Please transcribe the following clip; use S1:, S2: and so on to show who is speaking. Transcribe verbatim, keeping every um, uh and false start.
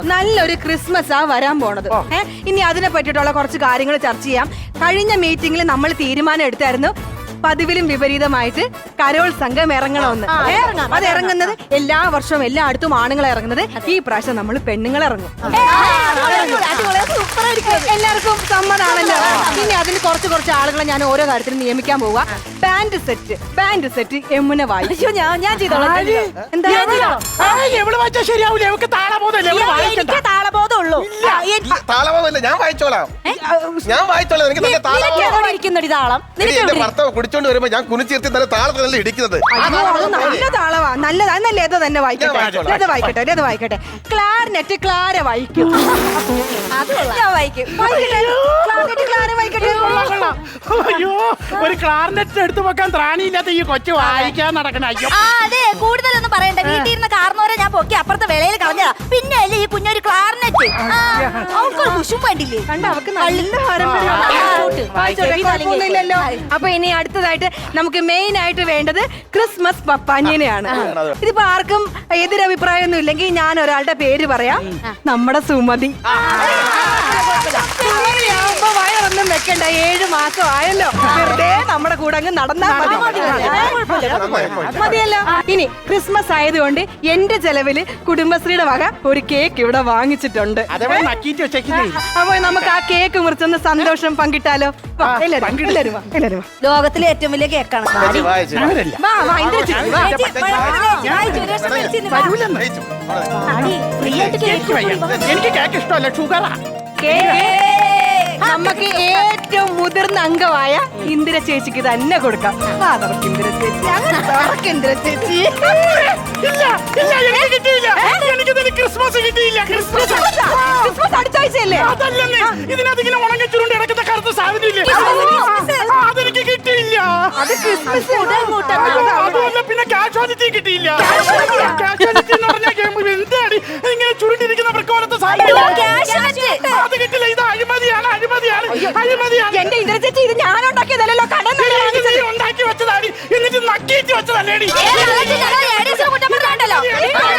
S1: നല്ലൊരു ക്രിസ്മസ് ആ വരാൻ പോണത്. ഏഹ് ഇനി അതിനെ പറ്റിയിട്ടുള്ള കുറച്ച് കാര്യങ്ങൾ ചർച്ച ചെയ്യാം. കഴിഞ്ഞ മീറ്റിംഗിൽ നമ്മൾ തീരുമാനം എടുത്തായിരുന്നു പതിവിലും വിപരീതമായിട്ട് കരോൾ സംഘം ഇറങ്ങണമെന്ന്. അത് ഇറങ്ങുന്നത് എല്ലാ വർഷവും എല്ലായിടത്തും ആണുങ്ങൾ ഇറങ്ങുന്നത്. ഈ പ്രാവശ്യം നമ്മൾ പെണ്ണുങ്ങൾ ഇറങ്ങും. എല്ലാവർക്കും സമ്മതാണല്ലോ. ഇനി അതിന് കുറച്ച് കുറച്ച് ആളുകളെ ഞാൻ ഓരോ കാര്യത്തിലും നിയമിക്കാൻ പോവുക. Band set band set Yamuna വായിച്ചു. ഞാൻ ഞാൻ ചെയ്തോളാം. എന്താ
S2: താളബോധമുള്ളൂ.
S3: താളബോധമില്ല, ഞാൻ വായിച്ചോളാം. ഞാൻ വായിച്ചോളാം. എനിക്ക് നല്ല
S2: താളം
S3: ഭർത്താവ് കുടിച്ചോണ്ട് വരുമ്പോ ഞാൻ കുനിച്ചിരുത്തി നല്ല താളത്തിൽ നല്ല ഇടിക്കുന്നത്.
S1: നല്ല താളവാ, നല്ലതാ. നല്ല ഏതോ തന്നെ വായിക്കട്ടെ. ഏത് വായിക്കട്ടെ ഏത് വായിക്കട്ടെ ക്ലാർനെറ്റ് ക്ലാര വായിക്കും. ഞാൻ വായിക്കും. ക്ലാർനെറ്റ് ക്ലാര വായിക്കട്ടെ.
S4: അയ്യോ, ഒരു ക്ലാർനെറ്റ് എടുത്തു വെക്കാൻ ത്രാണിയില്ലാത്ത ഈ കൊച്ചു വായിക്കാൻ നടക്കണ. അയ്യോ
S2: അതെ, കൂടുതലൊന്നും പറയണ്ട. വീട്ടിൽ ഇരുന്ന് കാർന്നോരെ ഞാൻ പൊക്കി അപ്പുറത്തെ വെളയിൽ കളഞ്ഞതാ. പിന്നെ അല്ലേ ഈ കുഞ്ഞൊരു ക്ലാർനെറ്റ്. അവൾക്കൊരു കുശും വേണ്ടില്ലേ?
S1: കണ്ട അവക്ക് നല്ല പാരമ്പര്യമില്ലല്ലോ. അപ്പൊ ഇനി അടുത്തതായിട്ട് നമുക്ക് മെയിൻ ആയിട്ട് വേണ്ടത് ക്രിസ്മസ് പപ്പാഞ്ഞിനെയാണ്. ഇതിപ്പോ ആർക്കും എതിരഭിപ്രായമൊന്നും ഇല്ലെങ്കിൽ ഞാൻ ഒരാളുടെ പേര് പറയാം. നമ്മുടെ സുമതി. സുമതിയാവുമ്പോ വയറൊന്നും വെക്കണ്ട. ഏഴു മാസം ആയല്ലോ, വെറുതെ നമ്മുടെ കൂടെ അങ്ങ് നടന്നാ മതി. മതിയല്ലോ. ഇനി ക്രിസ്മസ് ആയതുകൊണ്ട് എന്റെ ചെലവില് കുടുംബശ്രീയുടെ വക ഒരു കേക്ക് ഇവിടെ വാങ്ങിച്ചിട്ടുണ്ട്. അപ്പൊ നമുക്ക് ആ കേക്ക് മുറിച്ചൊന്ന് സന്തോഷം പങ്കിട്ടാലോ?
S2: ലോകത്തിലെ ഏറ്റവും വലിയ കേക്കാണ്.
S4: എനിക്ക് കേക്ക് ഇഷ്ടമല്ല, ഷുഗറാ.
S1: നമുക്ക് ഏറ്റവും മുതിർന്ന അംഗമായ ഇന്ദിര ചേച്ചിക്ക് തന്നെ കൊടുക്കാം. ഇന്ദിര ചേച്ചി ഇന്ദിര ചേച്ചി
S4: ക്രിസ്മസ് കിട്ടിയില്ല. ക്രിസ്മസ്
S1: ക്രിസ്മസ് അടുത്ത ആഴ്ചയല്ലേ?
S4: ഇതിനകത്ത് ഉണങ്ങ ചുരുണ്ട് കിടക്കുന്ന കറുത്ത സാധനം ഇല്ലേ, അതെനിക്ക് കിട്ടിയില്ല.
S1: അത് ക്രിസ്മസ്.
S4: അതുമല്ല, പിന്നെ കാഷ്വാലിറ്റി കിട്ടിയില്ല. കാഷ്വാലിറ്റി എന്ന് പറഞ്ഞാൽ എന്താണ് ഇങ്ങനെ ചുരുണ്ടിരിക്കുന്ന പ്രക്കോലത്തെ സാധനം, അത് കിട്ടില്ല. ഇത് അഴിമതിയാണ്, അഴിമതിയാണ്, അഴിമതിയാണ്.
S1: എന്റെ ഇന്ദിര ചേച്ചി, ഇത് ഞാൻ ഉണ്ടാക്കിയതല്ലോ, കടം
S4: ഉണ്ടാക്കി വെച്ചതാണ്. എന്നിട്ട് നക്കിയിട്ട് വെച്ചതല്ലേടി.